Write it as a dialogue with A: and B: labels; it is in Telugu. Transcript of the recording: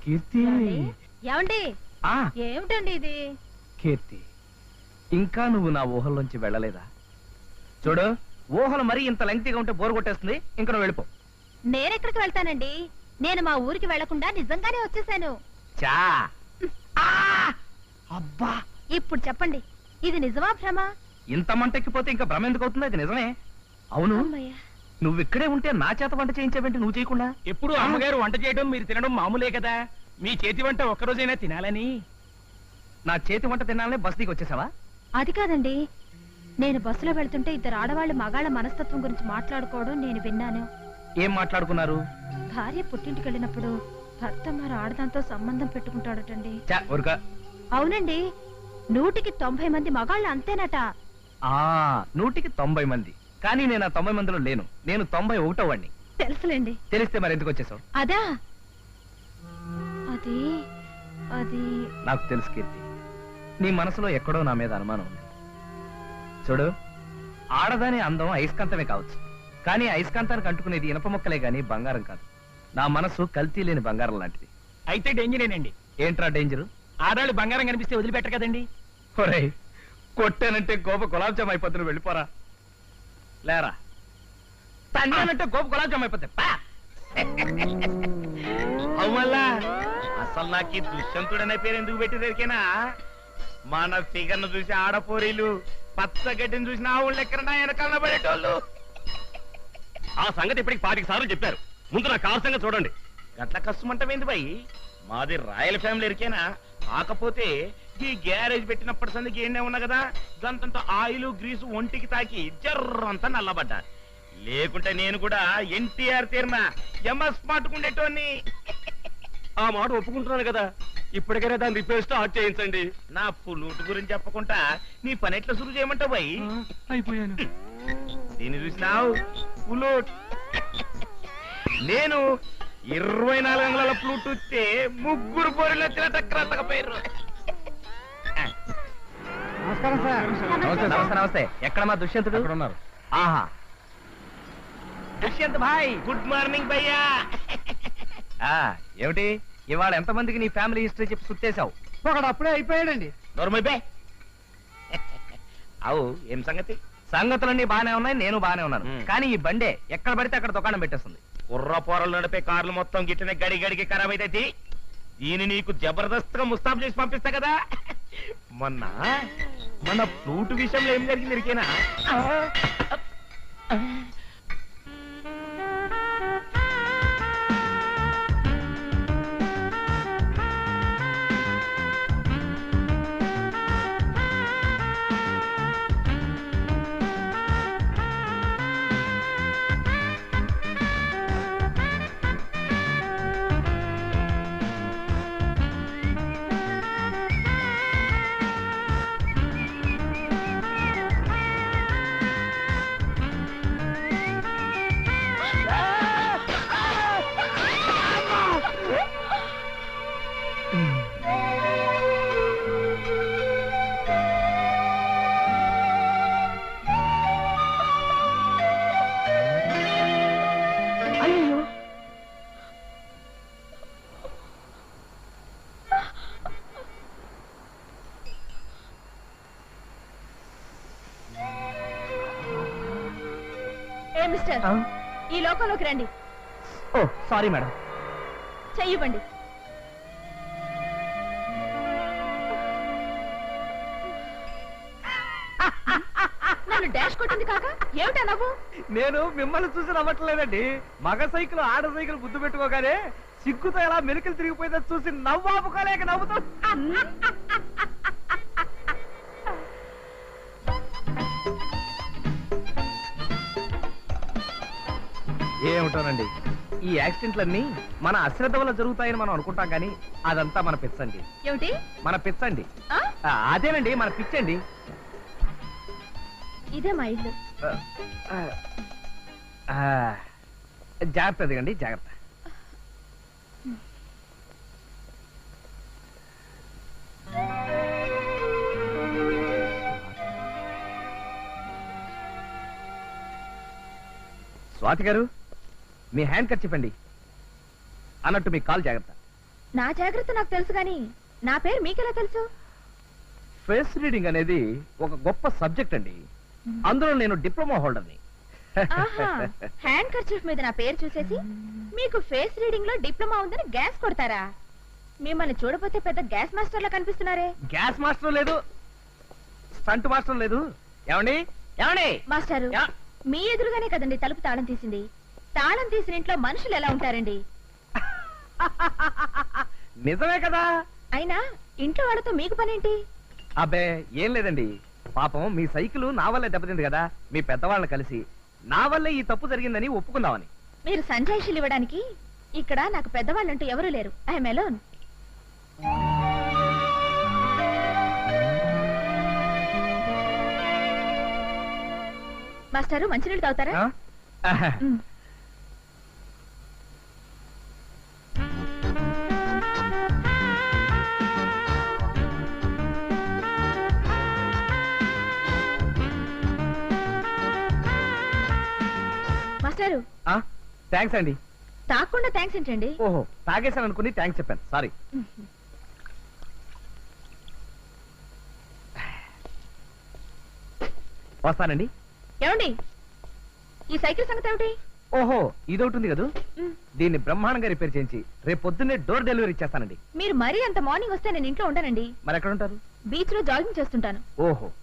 A: కీర్తి
B: ఏమండి ఏమిటండి ఇది?
A: కీర్తి, ఇంకా నువ్వు నా ఊహల్లోంచి వెళ్ళలేదా? చూడు, ఊహలు మరీ ఇంత లెంగ్తీగా ఉంటే బోరు కొట్టేస్తుంది. ఇంకా నువ్వు వెళ్ళిపో.
B: నేనెక్కడికి వెళ్తానండి? నేను మా ఊరికి వెళ్లకుండా నిజంగానే వచ్చేసాను.
A: చా అబ్బా,
B: ఇప్పుడు చెప్పండి, ఇది నిజమా భ్రమ?
A: ఇంత మంటెక్కిపోతే ఇంకా భ్రమ ఎందుకు అవుతుంది? అది నిజమే. అవును, నువ్వు ఇక్కడే ఉంటే నా చేత వంట చేయించావేంటి నువ్వు చేయకుండా?
C: ఎప్పుడు అమ్మగారు వంట చేయడం మీరు తినడం మామూలే కదా. మీ చేతి వంట ఒక్కరోజైనా తినాలని.
A: నా చేతి వంట తినాలనే బస్ దిగి వచ్చేసావా?
B: అది కాదండి, నేను బస్సులో వెళ్తుంటే ఇద్దరు ఆడవాళ్ళు మగాళ్ళ మనస్తత్వం గురించి మాట్లాడుకోవడం నేను విన్నాను.
A: ఏం మాట్లాడుకున్నారు?
B: భార్య పుట్టింటికి వెళ్ళినప్పుడు భర్త మరి ఆడదాంతో సంబంధం పెట్టుకుంటాడటండి. అవునండి, 190 మంది మగాళ్ళు అంతేనట.
A: 190 మంది, కానీ నేను ఆ 90 మందిలో లేను. నేను 91వ వాడిని.
B: తెలుసులేండి.
A: తెలిస్తే మరి ఎందుకు వచ్చేసావు?
B: అదా, అది అది
A: నాకు తెలుసు కీర్తి, నీ మనసులో ఎక్కడో నా మీద అనుమానం ఉంది. చూడు, ఆడదాని అందం అయస్కాంతమే కావచ్చు, కానీ అయస్కాంతానికి అంటుకునేది ఇనప మొక్కలే గాని బంగారం కాదు. నా మనసు కల్తీ లేని బంగారం లాంటిది.
C: అయితే డేంజరేనండి.
A: ఏంట్రా డేంజరు?
C: ఆడాళ్ళు బంగారం కనిపిస్తే వదిలిపెట్టరు కదండి.
A: ఒరేయ్, కొట్టానంటే గోప గులాబ్ జామ్ అయిపోతుంది, వెళ్ళిపోరా. లేరా, తన్నానంటే గోప గులాబ్ జామ్ అయిపోతాయి.
D: అవుమల్లా, అసలు నాకు ఈ దుష్యంతుడనే పేరు ఎందుకు పెట్టిదరికేనా? మన ఫిగర్ను చూసి ఆడపోరీలు, పచ్చగడ్డిని చూసిన ఆవుళ్ళు ఎక్కడ వెనకాల పడేటోళ్ళు.
C: ఆ సంగతి ఇప్పటికి 5 సార్లు చెప్పారు. ముందు నా కారు సంగతి చూడండి.
D: గట్ల కష్టమంటమేంది బాయ్? మాది రాయల్ ఫ్యామిలీ ఎరికేనా? కాకపోతే ఈ గ్యారేజ్ పెట్టినప్పటి సందికి ఏండే ఉన్నా కదా, గంతంత ఆయిల్ గ్రీసు ఒంటికి తాకి జర్రంతా నల్లబడ్డా. లేకుంటే నేను కూడా ఎన్టీఆర్ తీరిన ఎంఎస్ మాటుకుండేటోని.
C: ఆ మాట ఒప్పుకుంటున్నాను కదా, ఇప్పటికైనా దాని రిపేర్ స్టార్ట్ చేయించండి.
D: నా పుల్లూటు గురించి చెప్పకుండా నీ పని ఎట్లా సురు చేయమంటావు బాయ్?
C: అయిపోయాను.
D: దీన్ని చూసినావు పుల్లూట్. నేను 24 అంగుళాల ఫ్లూట్ వస్తే 3 పోరీలు వచ్చిన తక్కువ.
A: నమస్కారం సార్. నమస్తే నమస్తే. ఎక్కడ మా దుష్యంతుడు?
C: ఉన్నారు.
A: ఆహా, దుష్యంత్ భాయ్.
D: గుడ్ మార్నింగ్ భయ్యా.
A: ఏమిటి ఇవాళ ఎంతమందికి నీ ఫ్యామిలీ హిస్టరీ చెప్పి సుట్టేశావు?
C: ఒకడు అప్పుడే అయిపోయాడండి.
D: నోర్మైపే. అవు ఏం సంగతి?
A: సంగతులన్నీ బానే ఉన్నాయి, నేను బానే ఉన్నాను. కానీ ఈ బండే ఎక్కడ పడితే అక్కడ దుకాణం పెట్టేస్తుంది.
D: కుర్ర పోరలు నడిపే కార్లు మొత్తం గిట్టనే గడి గడికి ఖరాబ్ అయితే దీన్ని నీకు జబర్దస్త్గా ముస్తాబ్ చేసి పంపిస్తా కదా. మొన్న మన ఫ్లూట్ విషయంలో ఏం జరిగింది ఇరికేనా?
B: మిస్టర్, ఈ లోకంలోకి రండి.
A: ఓ సారీ మేడం.
B: చెయ్యివ్వండి. నన్ను డాష్ కొట్టింది కాక ఏమిటా నవ్వు?
A: నేను మిమ్మల్ని చూసి నవ్వట్లేదండి. మగ సైకిల్ ఆడ సైకిల్ గుద్దు పెట్టుకోగానే సిగ్గుతో ఎలా మెలికలు తిరిగిపోయిందో చూసి నవ్వాపుకోలేక నవ్వుతూ. ఏమిటోనండి, ఈ యాక్సిడెంట్లన్నీ మన అశ్రద్ధ వల్ల జరుగుతాయని మనం అనుకుంటాం, కానీ అదంతా మన పిచ్చండి.
B: ఏమిటి మన
A: పిచ్చండి? అదేనండి మన పిచ్చండి.
B: ఇదే మా ఇల్లు.
A: జాగ్రత్త దిగండి, జాగ్రత్త. స్వాతి గారు, మీ హ్యాండ్ కట్ చెప్పండి. అన్నట్టు మీ కాల్ జాగ్రత్త.
B: నా జాగ్రత్త నాకు తెలుసు గాని నా పేరు మీకెలా తెలుసు?
A: ఫేస్ రీడింగ్ అనేది ఒక గొప్ప సబ్జెక్ట్ అండి. అందులో నేను డిప్లొమా హోల్డర్ని.
B: హ్యాండ్ కర్చీఫ్ మీద నా పేరు చూసేసి మీకు ఫేస్ రీడింగ్ లో డిప్లొమా ఉందని గ్యాస్ కొడతారా? మిమ్మల్ని చూడపోతే పెద్ద గ్యాస్ మాస్టర్ లా కనిపిస్తున్నారే.
A: గ్యాస్ మాస్టర్ లేదు, స్టంట్ మాస్టర్ లేదు. ఏమండి ఏమండి
B: మాస్టారు, మీ ఎదురుగానే కదండి తలుపు తాళం తీసింది. తాళం తీసిన ఇంట్లో మనుషులు ఎలా ఉంటారండి?
A: నిజమే కదా.
B: అయినా ఇంట్లో వాళ్ళతో మీకు పనేంటి?
A: అబ్బే ఏం లేదండి, పాపం మీ సైకిల్ నా వల్లే దెబ్బతింది కదా, మీ పెద్దవాళ్ళని కలిసి నా వల్లే ఈ తప్పు జరిగిందని ఒప్పుకుందామని.
B: మీరు సంజాయిషీలు ఇవ్వడానికి ఇక్కడ నాకు పెద్దవాళ్ళంటూ ఎవరూ లేరు. I'm alone. మాస్టారు, మంచినీళ్ళు తాగుతారా? మ్. మాస్టారు,
A: థ్యాంక్స్ అండి.
B: తాగకుండా థ్యాంక్స్ ఏంటండి?
A: ఓహో, తాగేశాను అనుకుని థ్యాంక్స్ చెప్పాను, సారీ. వస్తానండి.
B: ఏమండి, ఈ సైకిల్ సంగతి ఏమిటి?
A: ఓహో, ఇదొకటి ఉంది కదా,
B: మ్.
A: దీన్ని బ్రహ్మాండంగా రిపేర్ చేయించి రేపు పొద్దున్నే డోర్ డెలివరీ ఇచ్చేస్తానండి.
B: మీరు మరీ అంత మార్నింగ్ వస్తే నేను ఇంట్లో ఉంటానండి.
A: మరి ఎక్కడ ఉంటారు?
B: బీచ్ లో జాగింగ్ చేస్తుంటాను.
A: ఓహో,